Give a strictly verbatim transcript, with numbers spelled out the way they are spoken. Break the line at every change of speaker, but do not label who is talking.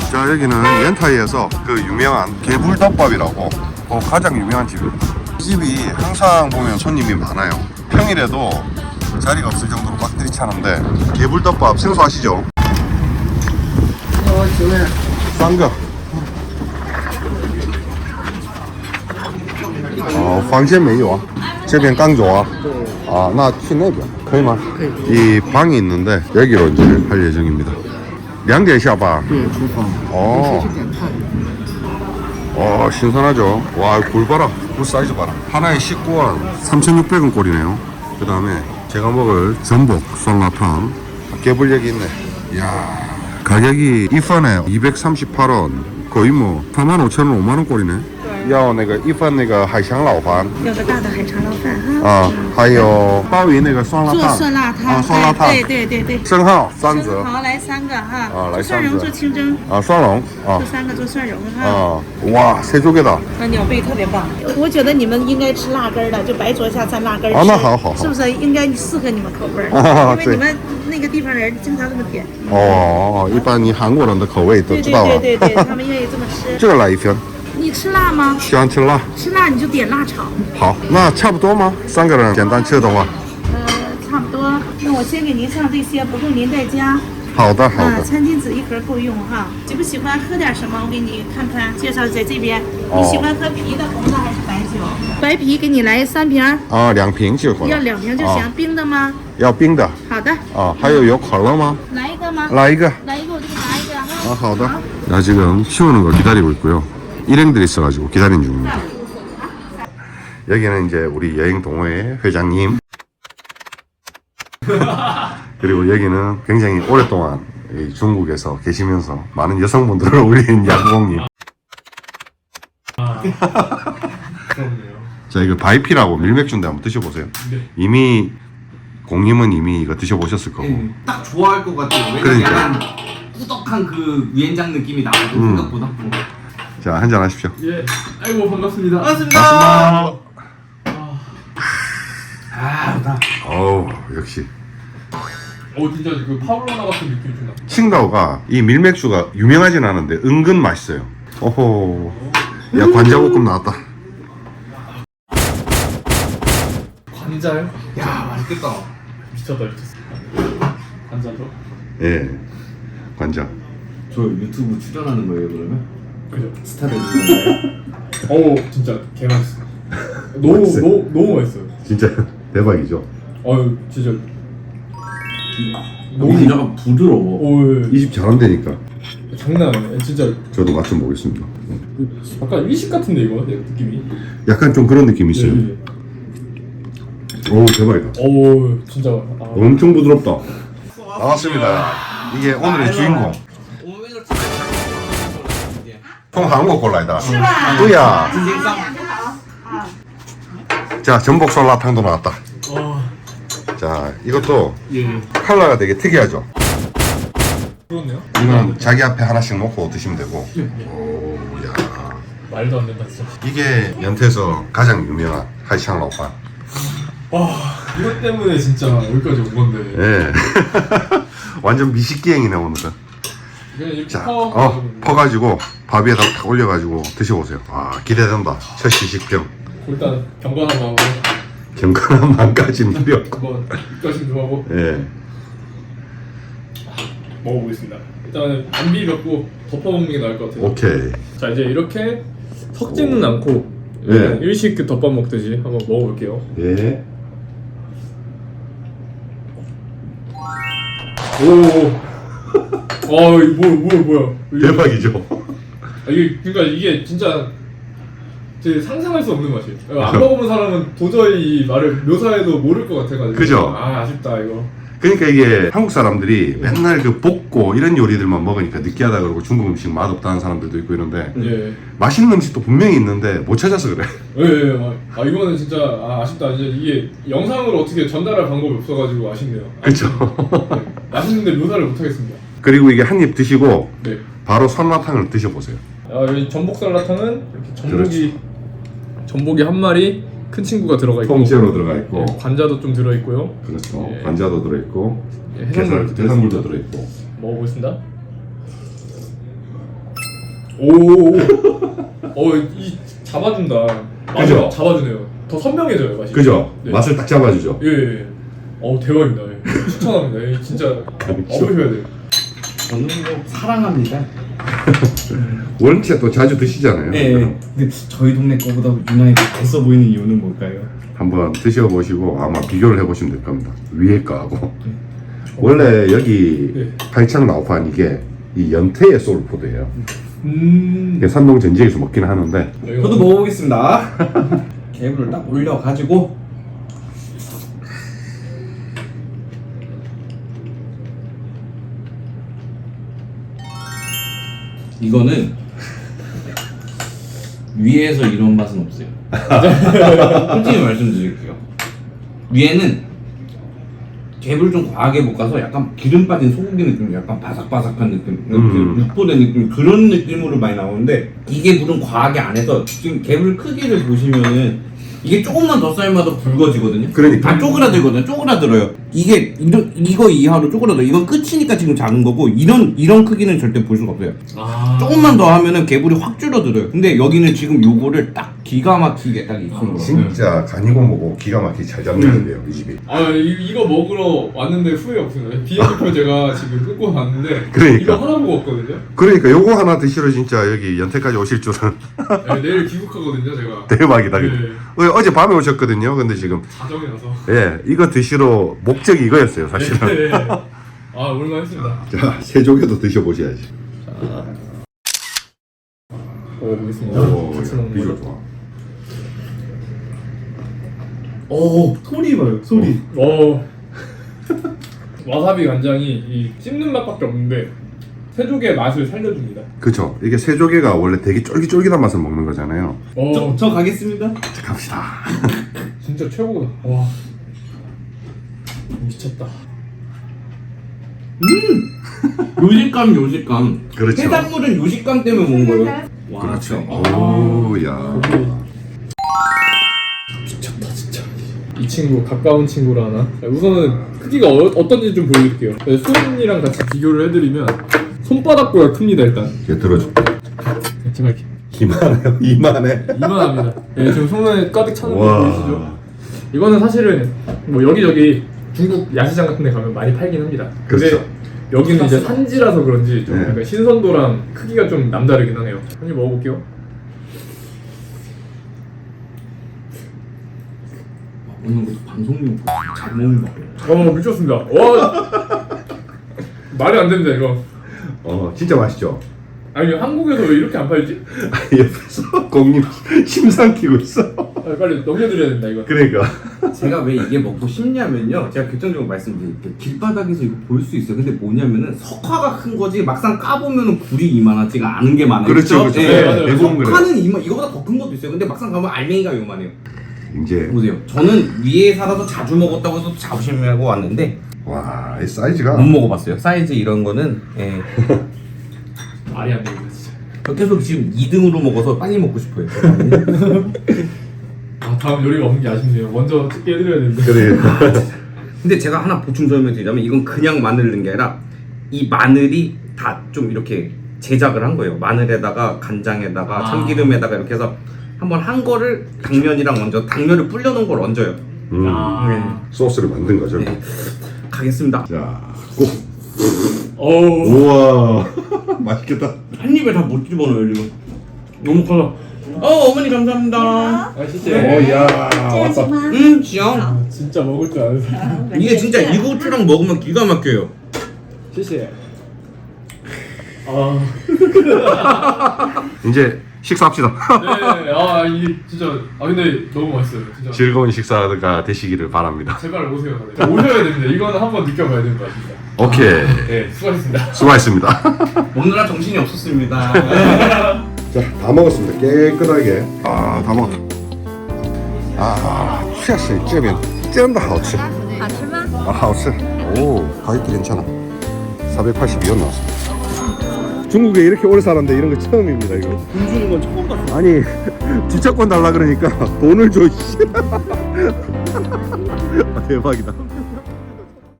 자, 여기는 연타이에서 그 유명한 개불덮밥이라고 어, 가장 유명한 집입니다. 이 집이 항상 보면 손님이 많아요. 평일에도 자리가 없을 정도로 꽉들이 차는데 개불덮밥 생소 아시죠? 싼 거. 어, 房间没有啊这边刚走啊啊那去那边可以吗이 방이 있는데 여기로 이제 할 예정입니다. 两点下班
对，厨房。
어.
去点菜。
와, 신선하죠. 와, 굴 봐라. 굴 사이즈 봐라. 하나에 십구 원, 삼천육백 원 꼴이네요. 그 다음에 제가 먹을 전복 酸라탕. 개불 여기 있네. 이야, 가격이 이 판에 이백삼십팔 원. 거의 뭐 사만 오천 원, 오만 원 꼴이네. 要那个一份那个海肠老饭，
要个大的海肠捞饭哈。
啊，还有鲍鱼那个酸辣
做
汤，
酸辣汤，
啊，酸辣汤，
对对对对。
生蚝三折，
好，来三个哈。
啊来三个
蒜蓉做清蒸，
啊，双龙，啊
做三个做蒜蓉哈。
啊，哇，谁做给的？
那鸟贝特别棒，我觉得你们应该吃辣根儿的，就白灼下蘸辣根儿吃。
哦那好好好
是不是应该适合你们口味儿？
啊
因为你们那个地方人经常这么点。
哦，一般你韩国人的口味都
对对
知道了。
对对对，他们愿意这么吃。
这个来一份，
你吃辣吗？
喜欢吃辣。
吃辣你就点辣炒。
好，那差不多吗？三个人简单吃的话。
呃，差不多。那我先给您上这些，不够您再加。
好的，好
啊，
的。
餐巾纸一盒够用哈。喜不喜欢喝点什么？我给你看看，介绍在这边。
哦
你喜欢喝啤的、红的还是白酒？白啤给你来三瓶儿，
啊，两瓶就好了。
要两瓶就行。
啊
冰的吗？
要冰的。
好的。
啊，还有有可乐吗？
来一个吗？
来一个。
来一个，我就给拿一个哈。
아, 好的. 나 지금 치우는 거 기다리고 있고요. 일행들이 있어가지고 기다리는 중입니다. 여기는 이제 우리 여행 동호회 회장님. 그리고 여기는 굉장히 오랫동안 이 중국에서 계시면서 많은 여성분들을 우린 야구공님. 자, 이거 바이피라고 밀맥주인데 한번 드셔보세요.
네.
이미 공님은 이미 이거 드셔보셨을 거고.
네, 딱 좋아할 것 같아요. 왜냐면
그러니까.
약간 꾸덕한 그 위엔장 느낌이 나거든
음.
생각보다.
자, 한잔 하십시오.
예, 아이고 반갑습니다.
반갑습니다.
아, 좋다.
어우, 역시.
어, 진짜 그 파울로나 같은 느낌이 좀 나.
칭다오가 이 밀맥주가 유명하진 않은데 은근 맛있어요. 오호. 야, 관자볶음 나왔다.
관자요? 야, 맛있겠다. 미쳤다, 미쳤어. 관자죠?
예. 관자.
저 유튜브 출연하는 거예요 그러면?
그죠?
스타들 있나요?
어우, 진짜 개 맛있어. 너무
맛있어요?
너무 너무 맛있어요.
진짜 대박이죠.
어유, 진짜.
너무 약간 부드러워.
오, 예.
이 집 잘한다니까.
장난 아니야, 진짜.
저도 맛 좀 보겠습니다.
약간 일식 같은데 이거 느낌이.
약간 좀 그런 느낌이 있어요.
예, 예.
오, 대박이다.
오, 진짜. 아.
엄청 부드럽다. 나왔습니다. 이게 오늘의 주인공. 통 한국 골라이다. 또야. 자, 전복 酸라탕도 나왔다.
어,
자, 이것도
예.
컬러가 되게 특이하죠.
그렇네요.
이건 자기 앞에 하나씩 놓고 드시면 되고. 오, 야.
말도 안 된다 진짜.
이게 연태에서 가장 유명한 하이샹 라오판.
와, 이것 때문에 진짜 여기까지 온 건데.
예. 완전 미식기행이네 오늘은.
그냥 이렇게
자,
퍼.
어, 퍼가지고 밥 위에다 탁 올려가지고 드셔보세요. 아, 기대된다. 첫 시식병.
일단 경건한 마음으로
경건한 마음까지는 필요 없고.
한번 입가심 좀 하고
예.
먹어보겠습니다. 일단은 안 비볐고 덮어먹는 게 나을 것 같아요.
오케이.
자, 이제 이렇게 섞지는 않고
예.
그냥 일식 그 덮밥 먹듯이 한번 먹어볼게요.
예.
오. 아, 이거 뭐, 뭐, 뭐야? 이게-
대박이죠.
아, 이게 그러니까 이게 진짜 제 상상할 수 없는 맛이에요. 안 먹어본 사람은 도저히 이 말을 묘사해도 모를 것 같아가지고.
그죠?
아, 아쉽다 이거.
그러니까 이게 한국 사람들이 맨날 그 볶고 이런 요리들만 먹으니까 느끼하다 그러고 중국 음식 맛없다는 사람들도 있고 이런데
예.
맛있는 음식도 분명히 있는데 못 찾아서 그래.
예, 예. 아, 이거는 진짜 아, 아쉽다. 이제 이게 영상으로 어떻게 전달할 방법이 없어가지고 아쉽네요.
그쵸?
네. 맛있는데 묘사를 못하겠습니다.
그리고 이게 한 입 드시고
네.
바로酸辣湯을 드셔보세요.
아, 여기 전복 쌀라탕은 이렇게 전복이
그렇죠.
전복이 한 마리 큰 친구가 들어가 있고
통째로 들어가 있고
예, 관자도 좀 들어 있고요.
그렇죠.
예.
관자도 들어있고
예,
해산물,
해산물도
해산물도
들어있습니다.
들어있고.
먹어보겠습니다. 오. 어이 잡아준다. 맛을
그죠?
잡아주네요. 더 선명해져요 맛이.
그죠?
네.
맛을 딱 잡아주죠.
예. 예. 어 대박입니다. 예. 추천합니다. 예, 진짜 먹으셔야 돼요.
저는 뭐 사랑합니다.
원체 또 자주 드시잖아요.
네. 근데 저희 동네 거보다 유난히 더 맛있어 보이는 이유는 뭘까요?
한번 드셔보시고 아마 비교를 해보시면 될 겁니다. 위에 거하고. 원래 여기
네.
팔창 나우판 이게 이 연태의 소울푸드예요.
음.
이게 산동 전지에서 먹긴 하는데
저도 먹어보겠습니다. 개불을 딱 올려가지고 이거는 위에서 이런 맛은 없어요. 솔직히 말씀드릴게요. 위에는 갭을 좀 과하게 볶아서 약간 기름 빠진 소고기 느낌, 약간 바삭바삭한 느낌,
음.
육포된 느낌 그런 느낌으로 많이 나오는데 이게 물은 과하게 안 해서 지금 갭을 크기를 보시면은 이게 조금만 더 삶아도 굵어지거든요.
그러니까.
다 쪼그라들거든요. 쪼그라들어요. 이게 이런 이거 이하로 쪼그라들어. 이건 끝이니까 지금 작은 거고 이런 이런 크기는 절대 볼 수가 없어요.
아.
조금만 더 하면은 개불이 확 줄어들어요. 근데 여기는 지금 요거를 딱 기가 막히게 딱 익힌 거예요.
진짜 간이고 뭐고 기가 막히게 잘 잡는데요 이 집이.
아 이, 이거 먹으러 왔는데 후회 없습니다. 비행기표 제가 지금 끊고 갔는데
그러니까.
이거 하나 보고 왔거든요.
그러니까 요거 하나 드시러 진짜 여기 연태까지 오실 줄은
네, 내일 귀국하거든요 제가.
대박이다.
네.
어, 어제 밤에 오셨거든요. 근데 지금
자정에 나서.
예 이거 드시러 목적이 이거였어요 사실은.
네, 네. 아 오랜만했습니다.
자 새조개도 드셔보셔야지.
먹어보겠습니다.
오
같이 먹는
비주얼
거.
좋아.
오 소리 봐요 소리.
어. 와사비 간장이 이 씹는 맛밖에 없는데 새조개 맛을 살려줍니다.
그쵸. 이게 새조개가 원래 되게 쫄깃쫄깃한 맛을 먹는 거잖아요.
어.
저, 저 가겠습니다.
자 갑시다.
진짜 최고다. 와. 미쳤다.
요식감 요식감.
그렇죠.
해산물은 요식감 때문에 먹는 거예요. 와,
그렇죠.
진짜.
오야.
미쳤다 진짜. 이 친구 가까운 친구라 하나? 우선은 크기가 어, 어떤지 좀 보여드릴게요. 수은이랑 같이 비교를 해드리면 손바닥보다 큽니다 일단.
얘 들어줄게.
제가 이렇게
이만해요. 이만해.
이만합니다. 예, 지금 손에 가득 차는 거
와.
보이시죠? 이거는 사실은 뭐 여기저기 중국 야시장 같은 데 가면 많이 팔긴 합니다. 근데
그렇죠.
여기는 이제 산지라서 그런지 좀
네.
약간 신선도랑 크기가 좀 남다르긴 하네요. 한 입 먹어볼게요.
오늘 것도 방송용 잘 먹는 거 같아요.
어 미쳤습니다. 와 말이 안 됩니다 이거.
어 진짜 맛있죠.
아니 한국에서 왜 이렇게 안 팔지?
옆에서 공님 침 삼키고 있어.
아, 빨리 넘겨드려야 된다 이거.
그러니까.
제가 왜 이게 먹고 싶냐면요. 제가 결정적으로 말씀드릴게요. 길바닥에서 이거 볼 수 있어요. 근데 뭐냐면은 석화가 큰 거지 막상 까보면은 굴이 이만하지가 않은 게 많아요.
그렇죠, 그렇죠.
예,
네, 맞아요.
대부분 그래요.
석화는 이만 이거보다 더 큰 것도 있어요. 근데 막상 가면 알맹이가 요만해요.
이제
보세요. 저는 위에 살아서 자주 먹었다고 해서 자부심하고 왔는데
와, 이 사이즈가
못 먹어봤어요. 사이즈 이런 거는 예.
말이 안 됩니다 진짜.
저 계속 지금 이 등으로 먹어서 빨리 먹고 싶어요.
아 다음 요리가 없는 게 아쉽네요. 먼저 찍게 해드려야 되는데.
그래.
근데 제가 하나 보충 설명드리자면 이건 그냥 마늘 넣은 게 아니라 이 마늘이 다 좀 이렇게 제작을 한 거예요. 마늘에다가 간장에다가
아.
참기름에다가 이렇게 해서 한번 한 거를 당면이랑 얹어 당면을 불려놓은 걸 얹어요.
음,
아.
소스를 만든 거죠.
네. 가겠습니다.
자, 고.
어우
우와, 맛있겠다.
한 입에 다 못 집어넣어요 지금.
너무 커.
어 어머니 감사합니다.
아 진짜.
오야,
这样行
왔다.
吗？
음 지영.
아, 진짜 먹을 줄 아는 사람.
이게 진짜 이고추랑 먹으면 기가 막혀요.
谢谢. 아.
이제 식사합시다.
네. 아 이 진짜. 아 근데 너무 맛있어요. 진짜.
즐거운 식사가 되시기를 바랍니다.
제발 오세요. 다들. 오셔야 됩니다. 이거는 한번 느껴봐야 되는 거 같습니다.
오케이,
네, 수고하셨습니다.
수고하셨습니다.
먹느라 정신이 없었습니다.
자, 다 먹었습니다. 깨끗하게. 아, 다 먹었다. 아, 确实这边真的好吃.
好吃吗？
아, 好吃. 오, 가격도 괜찮아. 사백팔십이 원 나왔어. 중국에 이렇게 오래 살았는데 이런 거 처음입니다, 이거.
돈 주는 건 처음 봤어.
아니, 주차권 달라 그러니까 돈을 줘, 씨. 아, 대박이다.